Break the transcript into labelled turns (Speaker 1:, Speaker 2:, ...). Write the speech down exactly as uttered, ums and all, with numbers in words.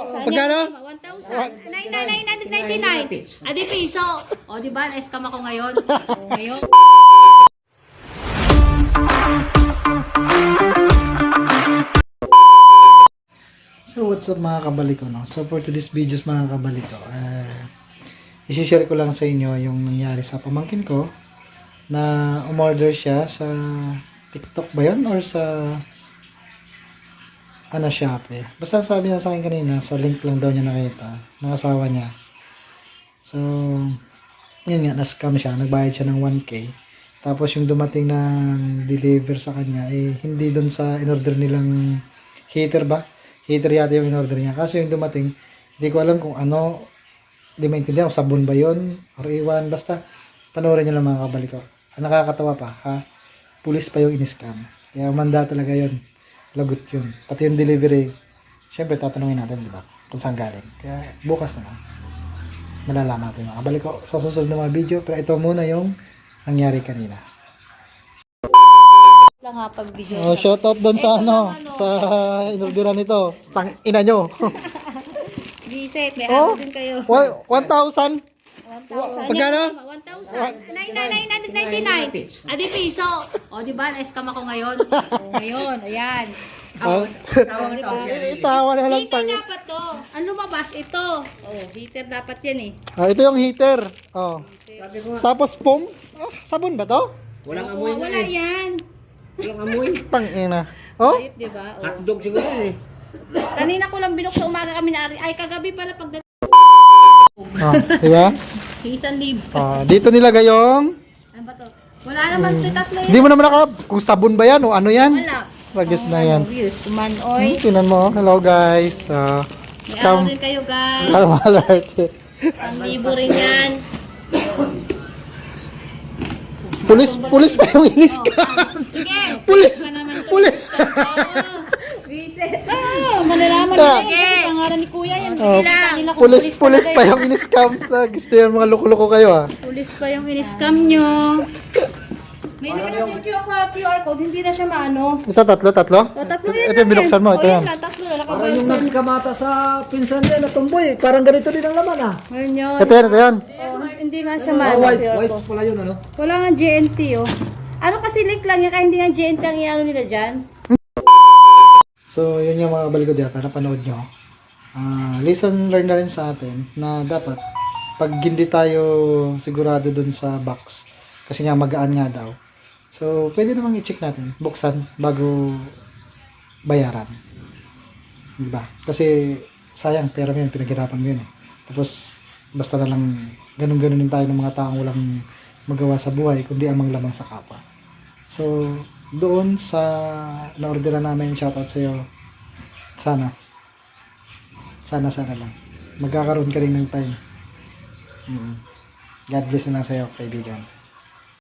Speaker 1: Magkano?
Speaker 2: one thousand. nine nine nine ninety-nine. Adi piso. O, di ba? Na-scam ako ngayon. O, ngayon.
Speaker 1: So what's up mga kabaliko, no? So for today's videos mga kabaliko, uh, isi-share ko lang sa inyo yung nangyari sa pamangkin ko na umorder siya sa TikTok ba yun? Or sa ano, Shopee. Basta sabi niya sa akin kanina, sa link lang daw niya nakita ng asawa niya. So yun nga, na-scam siya, nagbayad siya ng one K. Tapos yung dumating ng deliver sa kanya eh hindi doon sa in-order nilang heater ba? Heater yata yung in-order niya. Kaso yung dumating, hindi ko alam kung ano, hindi maintindihan kung sabon ba yun or iwan. Basta, panoorin nyo lang mga kabaliko. Ang nakakatawa pa, ha? Pulis pa yung in-scam. Kaya manda talaga yun. Lagot yun. Pati yung delivery, syempre tatanungin natin, di ba? Kung saan galing. Kaya bukas na lang. Malalaman natin mga kabaliko sa susunod na mga video. Pero ito muna yung nangyari kanina.
Speaker 2: Lang ha, pag video.
Speaker 1: Oh, shoutout doon sa ano, sa inorderan nito. Tang ina nyo.
Speaker 2: Visit, may
Speaker 1: Oh,
Speaker 2: halo din kayo.
Speaker 1: one thousand.
Speaker 2: one thousand.
Speaker 1: Magkano?
Speaker 2: one thousand. nine nine nine ninety-nine. Adi piso. O, di ba? Na-scam ako ngayon. O, ngayon. Ayan.
Speaker 1: Oh. Itawa na lang
Speaker 2: Heater
Speaker 1: tang.
Speaker 2: dapat to. Ang lumabas ito. Oh, heater dapat yan eh.
Speaker 1: Ah, ito yung heater. Oh. Tapos foam. Ah, sabon ba to?
Speaker 3: Walang
Speaker 2: Oh,
Speaker 3: amoy na
Speaker 2: wala
Speaker 3: eh.
Speaker 2: yan.
Speaker 3: Walang amoy.
Speaker 1: Pang ina. Oh?
Speaker 2: Ayop, di ba? Oh.
Speaker 3: Hotdog siguro eh.
Speaker 2: Kanina ko lang binuksan umaga kami na ay kagabi pala pag
Speaker 1: Oh, di ba?
Speaker 2: isang lib.
Speaker 1: Ah, dito nilagay yung
Speaker 2: Ano ba to? Wala naman to tatlo
Speaker 1: hindi
Speaker 2: yun.
Speaker 1: mo naman naka kung sabon ba yan o ano yan?
Speaker 2: Wala.
Speaker 1: Ragis na yan.
Speaker 2: Views. Manoy.
Speaker 1: Hmm, tinan mo. Hello guys. Ah,
Speaker 2: May araw
Speaker 1: scam.
Speaker 2: rin kayo guys.
Speaker 1: Scam alert.
Speaker 2: Ang libo rin yan.
Speaker 1: Pulis, pulis pa yung in-scam.
Speaker 2: Sige.
Speaker 1: Pulis,
Speaker 2: Pa naman to.
Speaker 1: pulis.
Speaker 2: Oo. Visit. Ah, malalaman
Speaker 1: Ah.
Speaker 2: na sige. Pangalan ni Kuya yan.
Speaker 1: Oh,
Speaker 2: Sige lang.
Speaker 1: pulis, pulis pa yung in-scam. Gusto yan mga loko-loko kayo ah.
Speaker 2: Pulis pa yung in-scam nyo. May nilagay yung Q R code, hindi na siya maano.
Speaker 1: Ito tatlo, tatlo?
Speaker 2: O, tatlo yan
Speaker 1: Ito yung binuksan mo, ito
Speaker 2: O,
Speaker 1: yan.
Speaker 2: lang, tatlo na
Speaker 4: Parang
Speaker 2: nakabayad
Speaker 4: yung
Speaker 2: sa...
Speaker 4: nagskamata sa pinsan niya na tumboy. Parang ganito din ang laman ah.
Speaker 2: Ngayon yun.
Speaker 1: Ito yan, ito yan.
Speaker 2: Oh, hindi nga siya
Speaker 4: Ah,
Speaker 2: maano.
Speaker 4: white,
Speaker 2: Q R
Speaker 4: white
Speaker 2: code.
Speaker 4: pala yun ano.
Speaker 2: Wala nga G N T oh. Ano kasi link lang yan, kaya hindi nga G N T ang iano nila dyan.
Speaker 1: So, yun yung mga balik ko diyan para panood nyo. Ah, lesson learned na rin sa atin na dapat pag hindi tayo sigurado dun sa box kasi nga magaan nga daw. So, pwede namang i-check natin, buksan bago bayaran. Diba? Kasi sayang, pera mo yun, pinaghirapan mo yun eh. Tapos, basta na lang ganun-ganunin tayo ng mga taong walang magawa sa buhay, kundi amang lamang sa kapwa. So, doon sa na-orderan namin, shoutout sa iyo. Sana. Sana, sana lang. Magkakaroon ka rin ng time. Mm. God bless na lang sa iyo, kaibigan.